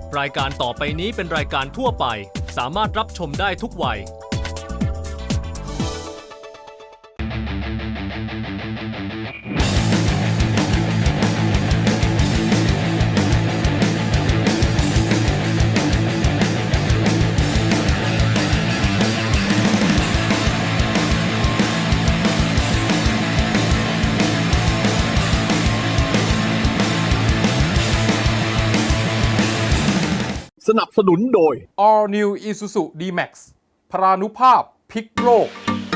รายการต่อไปนี้เป็นรายการทั่วไปสามารถรับชมได้ทุกวัยสนับสนุนโดย All New Isuzu D-Max พรานุภาพพลิกโลก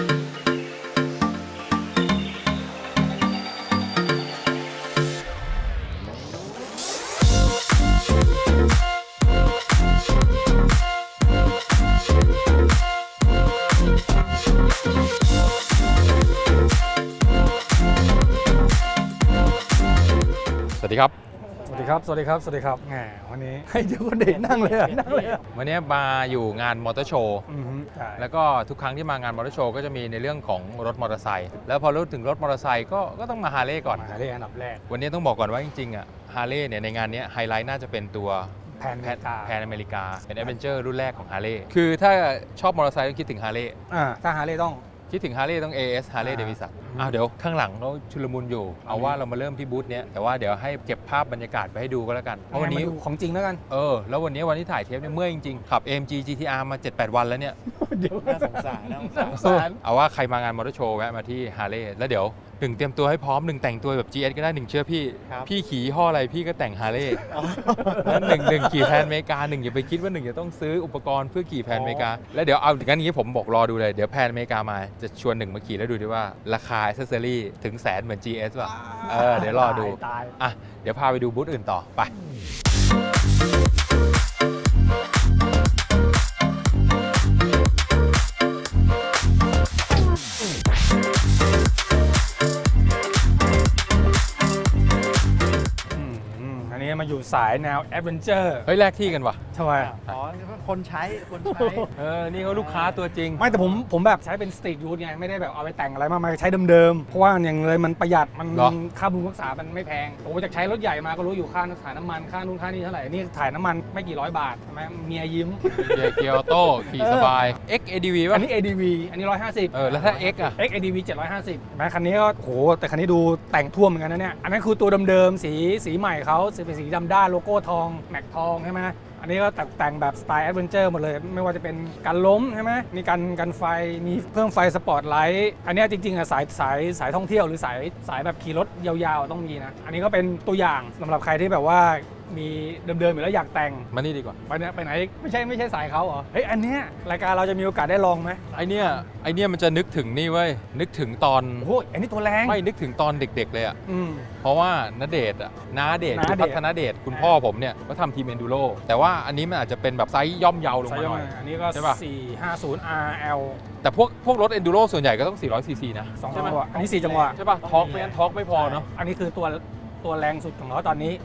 สวัสดีครับสวัสดีครับ สวัสดีครับ สวัสดีครับแหมวันนี้ให้เดี๋ยวคนเด็กนั่งเลยอะนั่งเลยอะวันนี้มาอยู่งานมอเตอร์โชว์ใช่แล้วก็ทุกครั้งที่มางานมอเตอร์โชว์ก็จะมีในเรื่องของรถมอเตอร์ไซค์แล้วพอรู้ถึงรถมอเตอร์ไซค์ก็ต้องมาฮาร์เลย์ก่อนมาเรียกอันดับแรกวันนี้ต้องบอกก่อนว่าจริงๆอ่ะฮาร์เลย์เนี่ยในงานนี้ไฮไลท์น่าจะเป็นตัวแพนเมกาแพนอเมริกาเป็นแอดเวนเจอร์รุ่นแรกของฮาร์เลย์คือถ้าชอบมอเตอร์ไซค์ต้องคิดถึงฮาร์เลย์ถ้าหาเลยต้องคิดถึงฮาร์เลย์ต้อง AS ฮาร์เลย์เดวิสันเดี๋ยวข้างหลังเขาชุลมุนอยู่ เอาว่าเรามาเริ่มที่บูธเนี้ยแต่ว่าเดี๋ยวให้เก็บภาพบรรยากาศไปให้ดูก็แล้วกันเพราะวันนี้มาดูของจริงแล้วกันแล้ววันนี้วันที่ถ่ายเทปเนี่ยเมื่อยจริงๆขับ AMG GTR มา 7-8 วันแล้วเนี่ยเดี๋ยวน่าสงสารนะสงสารเอาว่าใครมางานมอเตอร์โชว์แวะมาที่ฮาร์เลย์แล้วเดี๋ยวหนึ่งเตรียมตัวให้พร้อมหนึ่งแต่งตัวแบบ GS ก็ได้หนึ่งเชื่อพี่พี่ขี่ยี่ห้ออะไรพี่ก็แต่งฮาร์เลย์แล้วหนึ่งขี่แพนอเมริกาหนึ่งอย่าไปคิดว่าหนึ่งจะต้องซื้ออุปกรณ์เพื่อขี่แพนอเมริกาแล้วเดี๋ยวเอางั้นอย่างนี้ผมบอกรอดูเลยเดี๋ยวแพนอเมริกามาจะชวนหนึ่งมาขี่แล้วดูดิว่าราคาแอคเซสซอรี่ถึงแสนเหมือน GS ป่ะเดี๋ยวรอดูตายอ่ะเดี๋ยวพาไปดูบูธอื่นต่อไปอันนี้มาอยู่สายแนวแอดเวนเจอร์เฮ้ยแลกที่กันว่ะทำไมอ๋อคนใช้นี่เขาลูกค้าตัวจริงไม่แต่ผมแบบใช้เป็นสตรีทยูทไงไม่ได้แบบเอาไปแต่งอะไรมากมายใช้เดิมๆเพราะว่าอย่างเลยมันประหยัดมันเหรอค่าบำรุงรักษามันไม่แพงผมจากใช้รถใหญ่มาก็รู้อยู่ค่าถ่ายน้ำมันค่านู่นค่านี่เท่าไหร่นี่ถ่ายน้ำมันไม่กี่ร้อยบาทใช่ไหมเมียยิ้มเกียร์ออโต้ขี่สบาย X ADV ป่ะอันนี้ ADV อันนี้150 แล้วถ้า X อ่ะ X ADV 750แม้คันนี้ก็โหแต่คันนี้ดูแต่งท่วมเหมือนกันนะเนี่ยอันนั้นคือตัวเดิมๆสีใหม่เขาเป็นสีดำด้านโลโก้ทองแม็กทองใช่ไหมอันนี้ก็แต่งแบบสไตล์แอดเวนเจอร์หมดเลยไม่ว่าจะเป็นการล้มใช่ไหมมีกันไฟมีเพิ่มไฟสปอตไลท์อันนี้จริงๆอะสายท่องเที่ยวหรือสายแบบขี่รถยาวๆต้องมีนะอันนี้ก็เป็นตัวอย่างสำหรับใครที่แบบว่ามีเดิมๆอยู่แล้วอยากแต่งมานี่ดีกว่าไปไหนไม่ใช่สายเขาเหรอเฮ้ยอันเนี้ยรายการเราจะมีโอกาสได้ลองไหมไอเนี้ยมันจะนึกถึงนี่เว้ยนึกถึงตอนโอ้โหอันนี้ตัวแรงไม่นึกถึงตอนเด็กๆเลยอ่ะอืมเพราะว่าณเดชน์น้าเดชน์คือพัฒนาเดชคุณพ่อผมเนี่ยก็ทำทีมเอนดูโรแต่ว่าอันนี้มันอาจจะเป็นแบบไซส์ย่อมเยาลงไซมาส์หน่อยอันนี้ก็ใช่ปะ 450 RL แต่พวกรถเอนดูโรส่วนใหญ่ก็ต้อง400 ซีซีนะ 2 ใช่จัไหมงหวะอันนี้ 4 จังหวะใช่ป่ะทอร์กไม่งั้นทอร์กไม่พอเนาะอันนี้คือตัวแรงสุดของเขาตอนนี้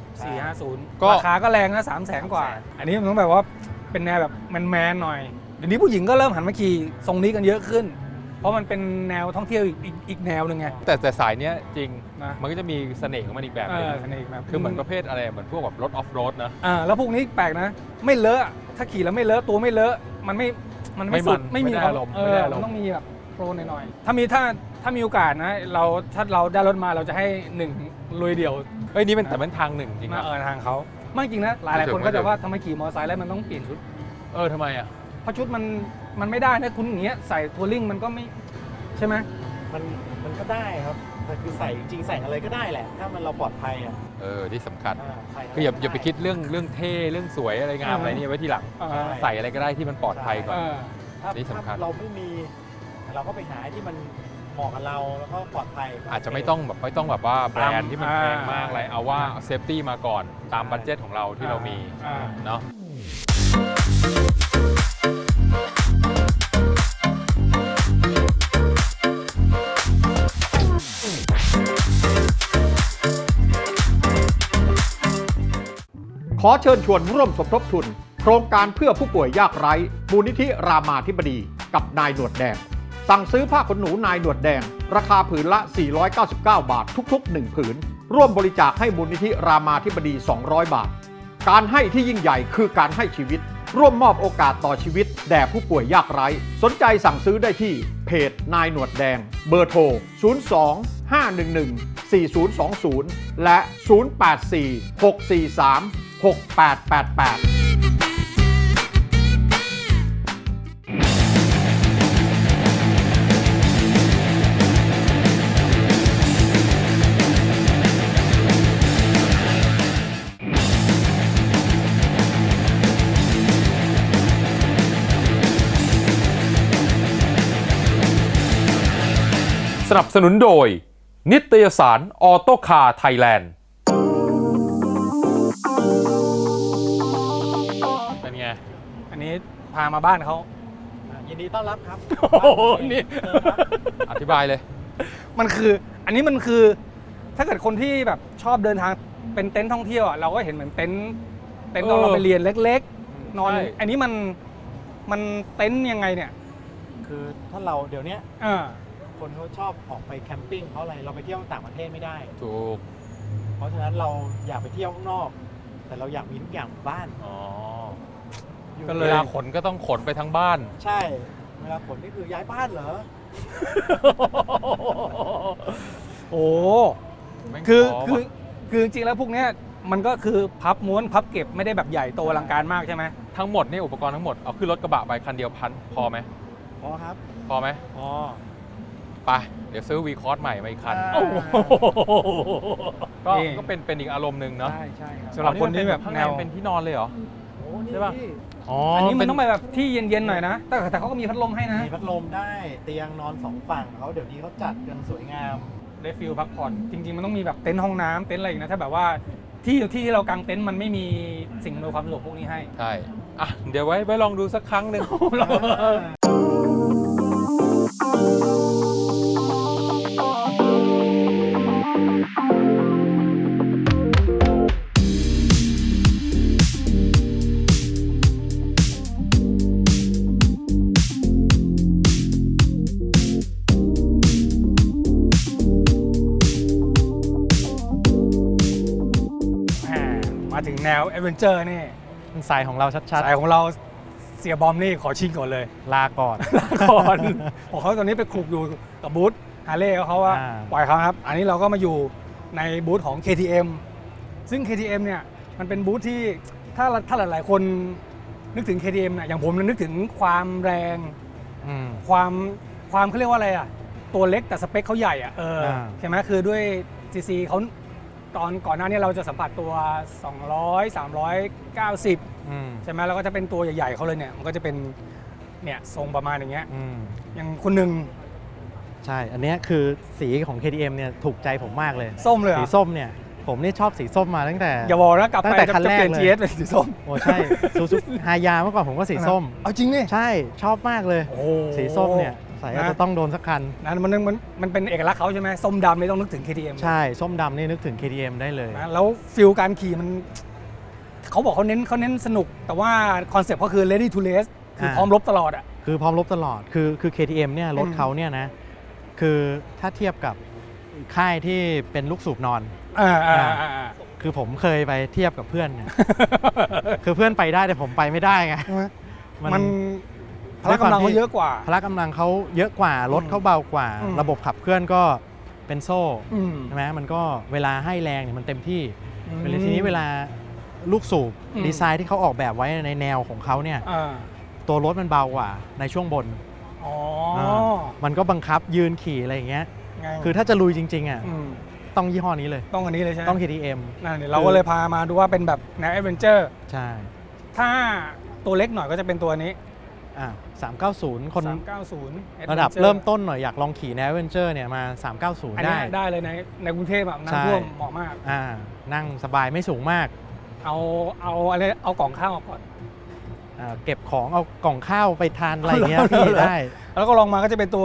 450 ก็ราคาก็แรงนะ 300,000 กว่า อันนี้มันต้องแบบว่าเป็นแนวแบบแมนๆหน่อยเดี๋ยวนี้ผู้หญิงก็เริ่มหันมาขี่ทรงนี้กันเยอะขึ้น เพราะมันเป็นแนวท่องเที่ยวอีกแนวหนึ่งไงแต่สายเนี้ยจริงนะมันก็จะมีเสน่ห์ของมันอีกแบบหนึงสนิทแบบคือเหมือนประเภทอะไรเหมือนพวกแบบรถออฟโรดนะแล้วพวกนี้แปลกนะ ไม่เลอะถ้าขี่แล้วไม่เลอะตัวไม่เลอะมันไม่สุดไม่ได้อารมณ์มันต้องมีแบบโปรหน่อยๆถ้ามีโอกาสนะถ้าเราได้รถมาเราจะให้หนึ่งลุยเดี่ยวเฮ้ยนี่มันแต่มันทางหนึ่งจริงมาอะทางเขาไม่จริงนะหลายคนก็จะว่าทำไมขี่มอเตอร์ไซค์แล้วมันต้องเปลี่ยนชุดทำไมอ่ะเพราะชุดมันไม่ได้นะคุณอย่างเงี้ยใส่ทัวริ่งมันก็ไม่ใช่ไหมมันก็ได้ครับแต่คือใส่จริงๆใส่อะไรก็ได้แหละ ถ้ามันเราปลอดภัยอ่ะที่สำคัญใส่ะรคืออย่าก็ด้ไปคิดเรื่องเท่เรื่องสวยอะไรงามอะไรนี่ไว้ทีหลัง ใส่อะไรก็ได้ที่มันปลอดภัยก่อนถ้านี่สำคัญถ้าเราไม่มี เราก็ไปหาที่มันเหมาะกับเราแล้วก็ปลอดภัยอาจจะไม่ต้องแบบว่าแบรนด์ที่มันแพงมากอะไรเอาว่าเซฟตี้มาก่อนตามบัดเจ็ตของเราที่เรามีเนาะขอเชิญชวนร่วมสมทบทุน โครงการเพื่อผู้ป่วยยากไร้มูลนิธิรามาธิบดีกับนายหนวดแดง สั่งซื้อผ้าขนหนูนายหนวดแดง ราคาผืนละ 499 บาททุกๆ 1 ผืน ร่วมบริจาคให้มูลนิธิรามาธิบดี 200 บาทการให้ที่ยิ่งใหญ่คือการให้ชีวิต ร่วมมอบโอกาสต่อชีวิตแด่ผู้ป่วยยากไร้สนใจสั่งซื้อได้ที่เพจนายหนวดแดงเบอร์โทร 02-511-4020 และ 084-643-6888 สนับสนุนโดย นิตยสารออโต้คาร์ไทยแลนด์เป็นไงอันนี้พามาบ้านเขายินดีต้อนรับครับโอ้โหนี่เชิญครับอธิบายเลยมันคืออันนี้มันคือถ้าเกิดคนที่แบบชอบเดินทางเป็นเต็นท์ท่องเที่ยวอ่ะเราก็เห็นเหมือนเต็นท์ตอนเราไปเรียนเล็กๆ นอนใช่อันนี้มันเต็นท์ยังไงเนี่ยคือถ้าเราเดี๋ยวเนี้ยอ่าคนเขาชอบออกไปแคมปิ้งเพราะอะไรเราไปเที่ยวต่างประเทศไม่ได้ถูกเพราะฉะนั้นเราอยากไปเที่ยวข้างนอก แต่เราอยากมีทุกอย่างบ้านอ๋ออยู่เวลาขนก็ต้องขนไปทั้งบ้านใช่ เวลาขนนี่คือย้ายบ้านเหรอโอ้แม่งคือท้คือว่ะคือจริงๆแล้วพวกเนี้ยมันก็คือพับม้วนพับเก็บไม่ได้แบบใหญ่โตอลังการมากใช่ไหมทั้งหมดนี่อุปกรณ์ทั้งหมดเอาขึ้นรถกระบะไปคันเดียวพันพอไหมพอครับพอไหมพอไปเดี๋ยวซื้อวีคอร์สใหม่มาอีกคันโอ้โหก็นี่ก็เป็นอีกอารมณ์หนึ่งเนาะใช่ใช่ครับสำหรับคนที่แบบข้างแนในวเป็นที่นอนเลยเหรอโอ้นี่ใช่ปะพี่อ๋ออัอันนี้มันต้องไปแบบที่เย็นๆหน่อยนะ แต่เขาก็มีพัดลมให้นะมีพัดลมได้เตียงนอนสองฝั่งเขาเดี๋ยวนี้เขาจัดกันสวยงามได้ฟิลพักผ่อนจริงๆมันต้องมีแบบเต็นท์ห้องน้ำเต็นท์อะไรอีกนะถ้าแบบว่าที่เรากางเต็นท์มันไม่มีสิ่งอำนวยความสะดวกพวกนี้ให้ใช่อ่ะเดี๋ยวไว้ลองดูสักครั้งหนึ่งมาถึงแนวแอดเวนเจอร์นี่สายของเราชัดสายของเราเสียบอมนี่ขอชิงก่อนเลยๆ ลาก่อนลาก่อนของเขาตอนนี้ไปคลุกอยู่กับบูธฮาร์เลย์เขาว่าอ่าปล่อยเขาครับ อันนี้เราก็มาอยู่ในบูธของ KTM ซึ่ง KTM เนี่ยมันเป็นบูธที่ถ้าหลายๆคนนึกถึง KTM เนี่ยอย่างผมเนี่ยนึกถึงความแรงอืมความเขาเรียกว่าอะไรอ่ะตัวเล็กแต่สเปคเขาใหญ่อ่ะใช่ไหมคือด้วย CC เขาตอนก่อนหน้านี้เราจะสัมผัสตัว 200 390 อืมใช่ไหมแล้วก็จะเป็นตัวใหญ่ๆเขาเลยเนี่ยมันก็จะเป็นเนี่ยทรงประมาณอย่างเงี้ยอืมอย่างคนหนึ่งใช่ อันเนี้ยคือสีของ KTM เนี่ยถูกใจผมมากเลยส้มเลยเหรสีอส้มเนี่ย ผมนี่ชอบสีส้มมาตั้งแต่อย่าบอกนะกลับตั้ไปงแต่จะคันแรกเปลี่ยนเลย GS เป็นสีส้มโอ้ใช่ซูซูฮายาเมื่อก่อนผมก็สีส้มเอาจริงนี่ใช่ชอบมากเลยโอ้สีส้มเนี่ยใส่ก็นะจะต้องโดนสักคันนั่นมันเป็นเอกลักษณ์เขาใช่ไหมส้มดำไม่ต้องนึกถึง KTM ใช่ ส้มดำนี่นึกถึง KTM ได้เลยนะแล้วฟิลการขี่มันเขาบอกเขาเน้นสนุก แต่ว่าคอนเซ็ปต์เขาคือ ready to race คือพร้อมรบตลอดอ่ะคือพร้อมรบตลอด คือ KTM เนี่ยรถเขาเนี่ยนะ คือถ้าเทียบกับค่ายที่เป็นลูกสูบนอน คือผมเคยไปเทียบกับเพื่อน เนี่ย คือเพื่อนไปได้แต่ผมไปไม่ได้ไงมันพละกำลังเขาเยอะกว่าพละกำลังเขาเยอะกว่ารถเขาเบากว่าอืมระบบขับเคลื่อนก็เป็นโซ่อืมใช่ไหมมันก็เวลาให้แรงเนี่ยมันเต็มที่อืมเวลาทีนี้เวลาลูกสูบอืมดีไซน์ที่เขาออกแบบไว้ในแนวของเขาเนี่ยอ่าตัวรถมันเบากว่าในช่วงบนอ๋อมันก็บังคับยืนขี่อะไรอย่างเงี้ยไงคือถ้าจะลุยจริงๆอ่ะมต้องยี่ห้อนี้เลยต้องอันนี้เลยใช่ไหมต้อง KTM นั่นเดี๋ยวเราก็เลยพามาดูว่าเป็นแบบแนวแอดเวนเจอร์ใช่ถ้าตัวเล็กหน่อยก็จะเป็นตัวนี้ 390 คน 390 ระดับ Adventure เริ่มต้นหน่อยอยากลองขี่แนวเวนเจอร์เนี่ยมา 390 อันนี้ได้ได้เลยในกรุงเทพแบบใช่น้ำท่วมเหมาะมากนั่งสบายไม่สูงมากเอาอะไรเอากล่องข้าวออกก่อนเก็บของเอากล่องข้าวไปทานอะไรเงี้ยเอาพี่เหรอได้แล้วก็ลองมาก็จะเป็นตัว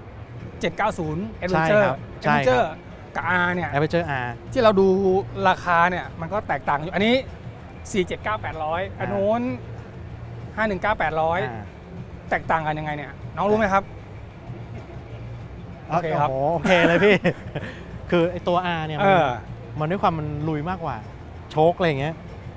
790 Adventure ครับใช่ครับ Adventure กับ R เนี่ยแอเวอร์เจอร์ R ที่เราดูราคาเนี่ยมันก็แตกต่างอยู่ อันนี้ 479-800 อันโน้น 519-800 แตกต่างกันยังไงเนี่ย น้องรู้ไหมครับ โอเคครับโโอเคเลยพี่ คือไอตัว R เนี่ยเออมันด้วยความมันลุยมากกว่า โชคอะไรอย่างเงี้ย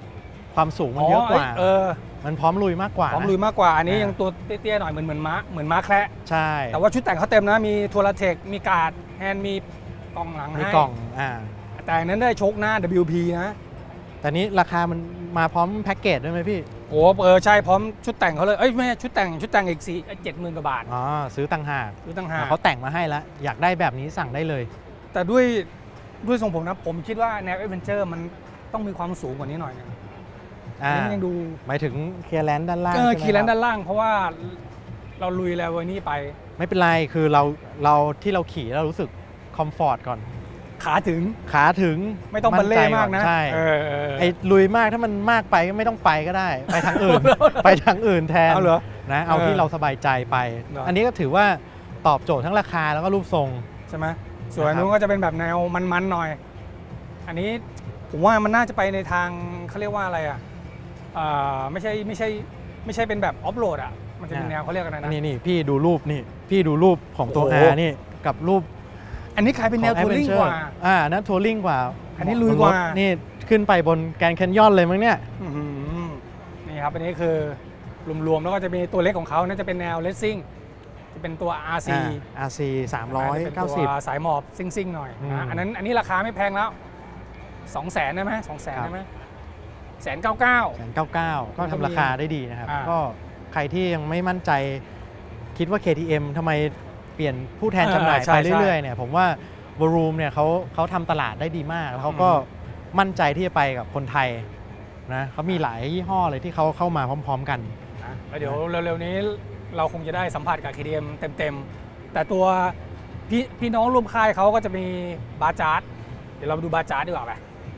ความสูงมันเยอะกว่า มันพร้อมลุยมากกว่าพร้อมลุยมากกว่าอันนี้ยังตัวเตี้ยๆหน่อยเหมือนม้าแคระใช่แต่ว่าชุดแต่งเขาเต็มนะมีโทรเทคมีการ์ดแฮนด์มีกล่องหลังมีให้กล่องแต่อันนั้นได้โชคหน้า WP นะแต่นี้ราคามันมาพร้อมแพ็กเกจด้วยไหมพี่โอ้ใช่พร้อมชุดแต่งเขาเลยไม่ใช่ชุดแต่งอีก70,000 กว่าบาทอ๋อซื้อต่างหากซื้อต่างหากเขาแต่งมาให้แล้วอยากได้แบบนี้สั่งได้เลยแต่ด้วยทรงผมนะผมคิดว่าแนวแอดเวนเจอร์มันต้องมีความสูงกว่านี้หน่อยนึงอันนี้มันยังดูหมายถึงเคลียร์แลนด์ด้านล่างคีย์แลนด์ด้านล่างเพราะว่าเราลุยแล้ววันนี้ไปไม่เป็นไรคือเราที่เราขี่เรารู้สึกคอมฟอร์ตก่อนขาถึงไม่ต้องบัลเล่มากนะใช่ไอ้ลุยมากถ้ามันมากไปก็ไม่ต้องไปก็ได้ ไปทางอื่น ไปทางอื่นแทนเอาเหรอนะเอาที่เราสบายใจไปเหรออัอันนี้ก็ถือว่าตอบโจทย์ทั้งราคาแล้วก็รูปทรงใช่ไหมส่วนอันนู้นก็จะเป็นแบบแนวมันๆหน่อย อันนี้ผมว่ามันน่าจะไปในทางเขาเรียกว่าอะไรไม่ใช่เป็นแบบออฟโรดมันจะเป็นแนวเขาเรียกกันนะนี่พี่ดูรูปนี่พี่ดูรูปของตัวโอ้ R โหนี่กับรูปอันนี้ขายเป็นแนวทัวริงกว่านั่นทัวริงกว่าอันนี้ลุยกว่านี่ขึ้นไปบนแกรนด์แคนยอนเลยมั้งเนี่ยอื้อหือนี่ครับอันนี้คือรวมๆแล้วก็จะมีตัวเล็กของเขาน่าจะเป็นแนวเลสซิ่งจะเป็นตัว RC RC เป็นตัว 390 สายหมอบซิ่งๆหน่อยนะอันนี้ราคาไม่แพงแล้ว 200,000ได้ไหม200,000ได้ไหม199,000 ก็ทำราคาได้ดีนะครับอ่าก็ใครที่ยังไม่มั่นใจคิดว่า KTM ทำไมเปลี่ยนผู้แทนจำหน่ายใช่ไปเรื่อยๆเนี่ยผมว่า w o r o o m เนี่ยเขาทำตลาดได้ดีมากแล้วเขาก็มั่นใจที่จะไปกับคนไทยนะเขามีหลายยี่ห้อเลยที่เขาเข้ามาพร้อมๆกันนะแล้วเดี๋ยวเร็วๆนี้เราคงจะได้สัมผัสกับ KTM เต็มๆ แต่ตัวพี่น้องร่วมค่ายเขาก็จะมีบาจาร์ดเดี๋ยวเราไปดูบาจาร์ดดีกว่าไป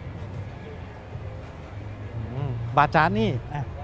บาจาร์นี่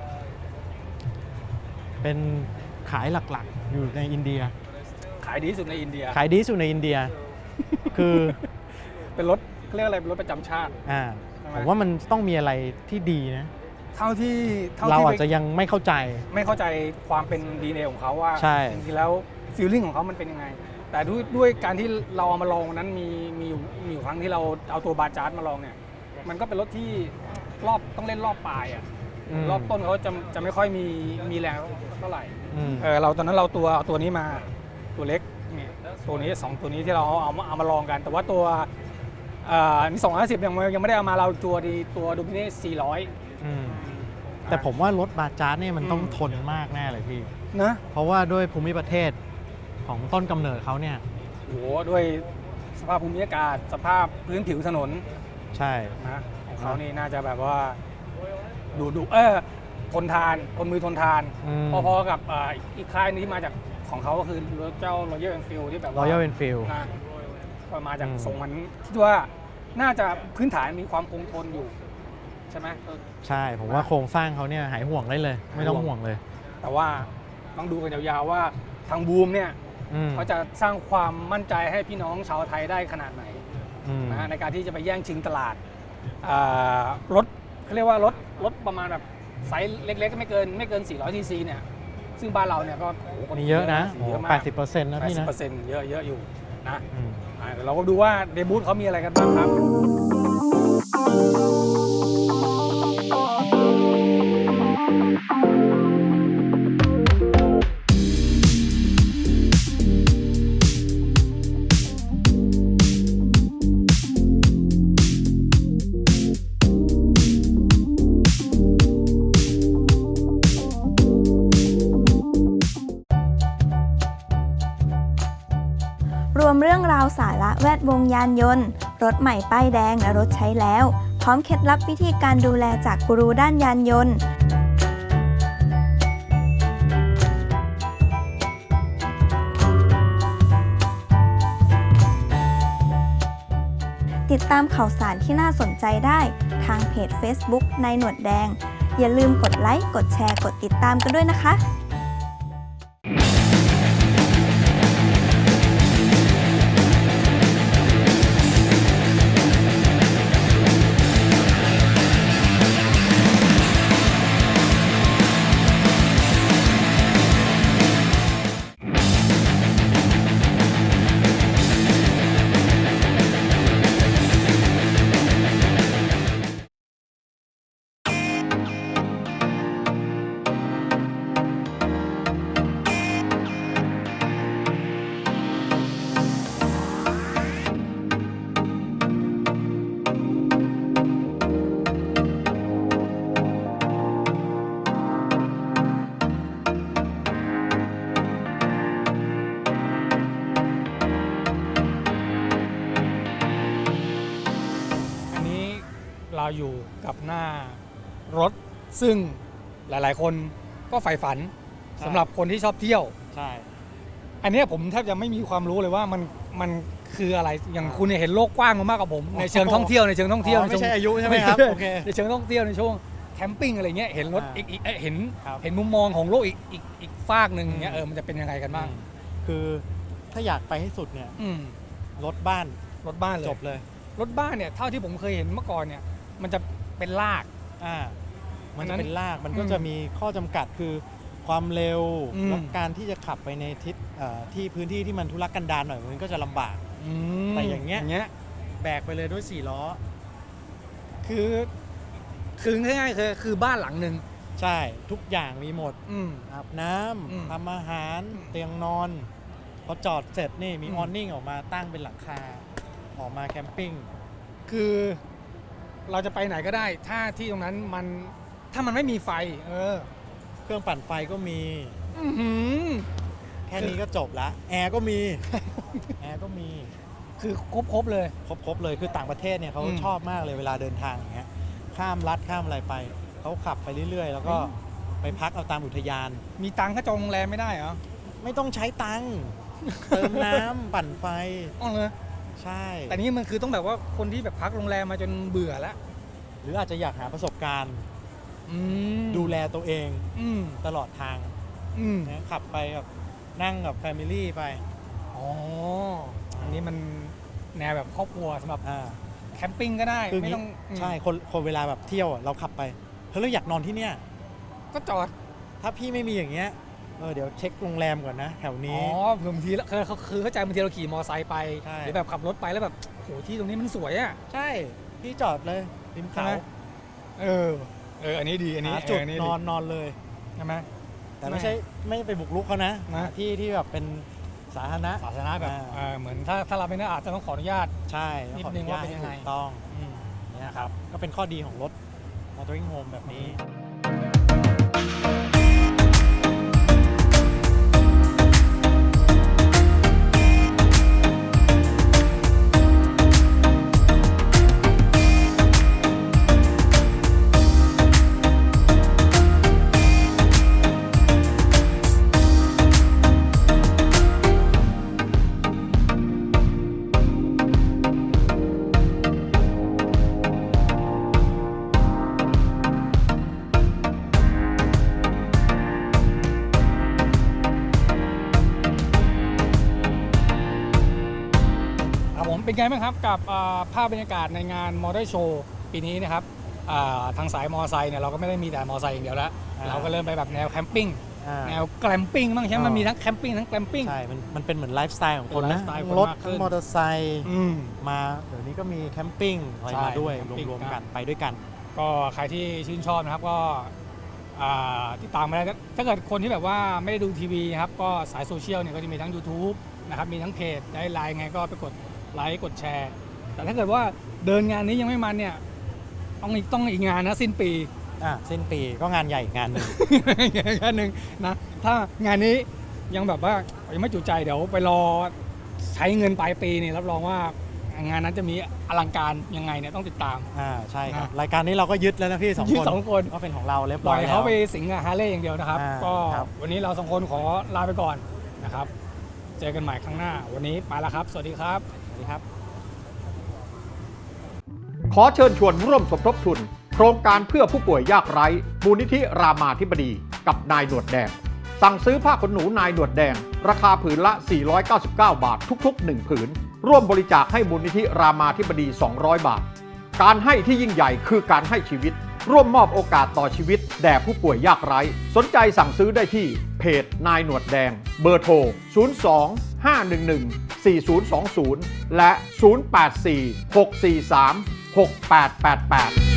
เป็นขายหลักๆอยู่ในอินเดียขายดีที่สุดในอินเดียขายดีที่สุดในอินเดีย คือเป็นรถเขาเรียกอะไรเป็นรถประจำชาติ ใช่ไหมผมว่ามันต้องมีอะไรที่ดีนะเท่าที่เราอาจจะยังไม่เข้าใจไม่เข้าใจความเป็น DNA ของเขาว่าใช่จริงๆแล้วฟีลลิ่งของเขามันเป็นยังไง แต่ด้วยการที่เราเอามาลองวันนั้นมีอยู่ครั้งที่เราเอาตัวบาจาร์ดมาลองเนี่ยมันก็เป็นรถที่ต้องเล่นรอบปลายรอบต้นเขาจะไม่ค่อยมีแรงเท่าไหร่ เราตอนนั้นเราเอาตัวนี้มาตัวเล็กนี่ตัวนี้2ตัวนี้ที่เราเอามาลองกัน แต่ว่าตัวนี่250ยังไม่ได้เอามาเราตัวดูมิเน่400 แต่ผมว่ารถบาจาร์เนี่ยมันต้องทนมากแน่เลยพี่นะเพราะว่าด้วยภูมิประเทศของต้นกำเนิดเขาเนี่ยโอ้โหด้วยสภาพภูมิอากาศสภาพพื้นผิวถนนใช่นะของเขานี่น่าจะแบบว่าทนทานทนมือทนทาน พอๆกับอีกค่ายนี้มาจากของเขาก็คือเจ้า Royal Enfield ที่แบบว่า Royal Enfield นะก็มาจากทรงมันคิดว่าน่าจะพื้นฐานมีความคงทนอยู่ใช่ไหมใช่ผมว่าโครงสร้างเขาเนี่ยหายห่วงได้เลย ไม่ต้องห่วงเลยแต่ว่าต้องดูกันยาวๆว่าทางบูมเนี่ยเขาจะสร้างความมั่นใจให้พี่น้องชาวไทยได้ขนาดไหนนะในการที่จะไปแย่งชิงตลาดรถเขาเรียกว่ารถประมาณแบบไซส์เล็กๆก็ไม่เกิน400 cc เนี่ยซึ่งบ้านเราเนี่ยก็มีเยอะนะเยอะมาก 80%นะพี่นะ 80%เยอะอยู่นะเดี๋ยวเราก็ดูว่าเดบูตเขามีอะไรกันบ้างครับรวมเรื่องราวสาระแวดวงยานยนต์รถใหม่ป้ายแดงและรถใช้แล้วพร้อมเคล็ดลับวิธีการดูแลจากกูรูด้านยานยนต์ติดตามข่าวสารที่น่าสนใจได้ทางเพจ Facebook นายหนวดแดงอย่าลืมกดไลค์กดแชร์กดติดตามกันด้วยนะคะกับหน้ารถซึ่งหลายๆคนก็ใฝ่ฝันสำหรับคนที่ชอบเที่ยวใช่อันเนี้ยผมแทบจะไม่มีความรู้เลยว่ามันคืออะไรอย่างคุณเนี่ยเห็นโลกกว้างมากกว่าผมในเชิงท่องเที่ยวในเชิงท่องเที่ยวไม่ใช่อายุใช่ไหมครับโอเคในเชิงท่องเที่ยวในช่วงแคมปิ้งอะไรเงี้ยเห็นรถอีกเห็นครับเห็นมุมมองของโลกอีกฟากหนึ่งเงี้ยมันจะเป็นยังไงกันบ้างคือถ้าอยากไปให้สุดเนี่ยอืมรถบ้านรถบ้านเลยจบเลยรถบ้านเนี่ยเท่าที่ผมเคยเห็นเมื่อก่อนเนี่ยมันจะเป็นลากมันอันนั้จะนเป็นลากมันก็จะมีข้อจำกัดคือความเร็วอืมและการที่จะขับไปในทิศที่พื้นที่ที่มันทุรกันดารหน่อยมันก็จะลำบากมแต่อย่างเงี้ยเงี้ยแบกไปเลยด้วย4 ล้อคือง่ายๆคือบ้านหลังหนึ่งใช่ทุกอย่างมีหมดอืมอาบน้ำอืมทำอาหารเตียงนอน พอจอดเสร็จนี่มีออนนิ่งออกมาตั้งเป็นหลังคาออกมาแคมปิ้งคือเราจะไปไหนก็ได้ถ้าที่ตรงนั้นถ้ามันไม่มีไฟเครื่องปั่นไฟก็มีอื้อหือแค่นี้ก็จบละแอร์ก็มี แอร์ก็มีคือครบเลยครบเลยคือต่างประเทศเนี่ยเขาอืมชอบมากเลยเวลาเดินทางอย่างเงี้ยข้ามรัฐข้ามอะไรไปเขาขับไปเรื่อยๆ แล้วก็ไปพักเอาตามอุทยานมีตังค์ก็จองโรงแรมไม่ได้เหรอไม่ต้องใช้ตังค์ เติมน้ำ ปั่นไฟอ๋อเลยใช่แต่นี่มันคือต้องแบบว่าคนที่แบบพักโรงแรมมาจนเบื่อแล้วหรืออาจจะอยากหาประสบการณ์ ดูแลตัวเองอืมตลอดทางอืมนะขับไปกับนั่งกับแฟมิลี่ไปอ๋ออันนี้มันแนวแบบครอบครัวสำหรับอ่าแคมปิ้งก็ได้คือไม่งี้ต้องอืมใช่คนเวลาแบบเที่ยวอะเราขับไปเฮ้ยเราอยากนอนที่เนี่ยก็จอดถ้าพี่ไม่มีอย่างเงี้ยเดี๋ยวเช็คโรงแรมก่อนนะ แถวอ๋นี้อบางทีแล้วคือเข้าใจบางทีเราขี่มอไซค์ไปใช่หรือแบบขับรถไปแล้วแบบโหที่ตรงนี้มันสวยอ่ะใช่พี่จอดเลยริมใช่เขาไหม อันนี้ดีอันนี้หาจุดอันนี้นอนเลยใช่ไหมแต่ไม่ไปบุกรุกเขานะนะที่แบบเป็นสาธารณะสาธารณะแบบ เหมือนถ้าเราไม่ได้อาจจะต้องขออนุญาตใช่นิดขออนึงญตว่าเป็นยังไงให้ถูกต้องเนี่ยครับก็เป็นข้อดีของรถ motoring home แบบนี้ครับผมเป็นไงบ้างครับกับภาพบรรยากาศในงานมอเตอร์โชว์ปีนี้นะครับทางสายมอไซค์เนี่ยเราก็ไม่ได้มีแต่มอไซค์อย่างเดียวแล้ว เราก็เริ่มไปแบบแนวแคมปิ้งแนวแกลมปิ้งบ้างใช่ไหมมันมีทั้งแคมปิ้งทั้งแกลมปิ้งใช่ มันเป็นเหมือนไลฟ์สไตล์ของคนเป็นไลนะฟ์สไตล์คนรถมากขึ้นมอเตอร์ไซค์อืมมาเดี๋ยวนี้ก็มีแคมปิ้งอะไรใช่มาด้วยแคมปิ้งรวมๆครักับ นไปด้วยกันก็ใครที่ชื่นชอบนะครับก็ติดตามมาได้ถ้าเกิดคนที่แบบว่าไม่ได้ดูทีวีนะครับก็สายโซเชียลเนี่ยก็จะมีทั้ง YouTube นะครับมีทั้งเพจได้ไลน์ไงก็ไปกดไลค์กดแชร์ แต่ถ้าเกิดว่าเดินงานนี้ยังไม่มันเนี่ยต้องอีกงานนะสิ้นปีสิ้นปีก็งานใหญ่อีกงานหนึ่งงานหนึ่งนะถ้างานนี้ยังแบบว่ายังไม่จุใจเดี๋ยวไปรอใช้เงินปลายปีนี่รับรองว่างานนั้นจะมีอลังการยังไงเนี่ยต้องติดตามใช่ครับนะรายการนี้เราก็ยึดแล้วนะพี่สองยึดคนสองคนก็เป็นของเราเรียบปร้ล่ออย ยแล้วเขาไปสิงกับฮาร์เลย์อย่างเดียวนะครับ ก็ครับวันนี้เราสองคนขอลาไปก่อนนะครับ เจอกันใหม่ครั้งหน้า วันนี้ไปแล้วครับ สวัสดีครับสวัสดีครับขอเชิญชวนร่วมสมทบทุน โครงการเพื่อผู้ป่วยยากไร้มูลนิธิรามาธิบดีกับนายหนวดแดง สั่งซื้อผ้าขนหนูนายหนวดแดง ราคาผืนละ 499 บาททุกๆ 1 ผืน ร่วมบริจาคให้มูลนิธิรามาธิบดี 200 บาท การให้ที่ยิ่งใหญ่คือการให้ชีวิต ร่วมมอบโอกาสต่อชีวิตแด่ผู้ป่วยยากไร้ สนใจสั่งซื้อได้ที่เพจนายหนวดแดง เบอร์โทร 02-511-4020 และ 084-643-6888